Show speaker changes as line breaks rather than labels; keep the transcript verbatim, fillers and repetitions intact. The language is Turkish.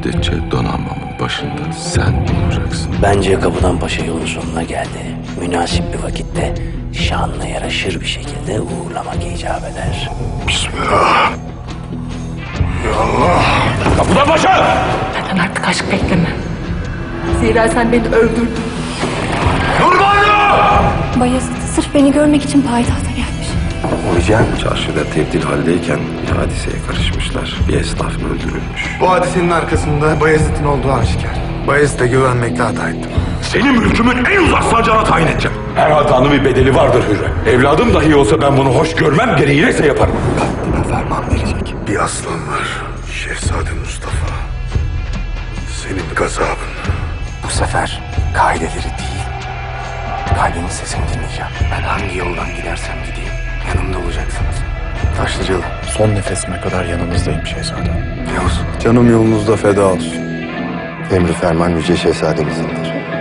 müddetçe donanmamın başında sen olacaksın.
Bence Kapıdan Paşa yolun sonuna geldi. Münasip bir vakitte şanla yaraşır bir şekilde uğurlamak icap eder.
Bismillah. Ya Allah.
Kapıdan Paşa!
Benden artık aşk bekleme. Zira sen beni öldürdün.
Nurbanlı!
Bayezid sırf beni görmek için payitahta gelmiş.
Hocam çarşıda tebdil haldeyken bir hadiseye karışmışlar. Bir esnaf öldürülmüş.
Bu hadisenin arkasında Bayezid'in olduğu aşikar. Bayezid'e güvenmekle hata ettim.
Seni mülkümün en uzak sancağına tayin edeceğim. Her hatanın bir bedeli vardır Hürrem. Evladım dahi olsa ben bunu hoş görmem, gereği neyse yaparım.
Kaddime ferman verecek bir aslan var. Şehzade Mustafa. Senin gazabın.
Bu sefer kaideleri değil, kalbimin sesini dinleyeceğim. Ben hangi yoldan gidersem gideyim, yanımda olacaksınız. Taşlıcalı.
Son nefesime kadar yanınızdayım şehzadem.
Yavuz.
Canım yolunuzda feda olsun.
Emri ferman yüce şehzademizindir.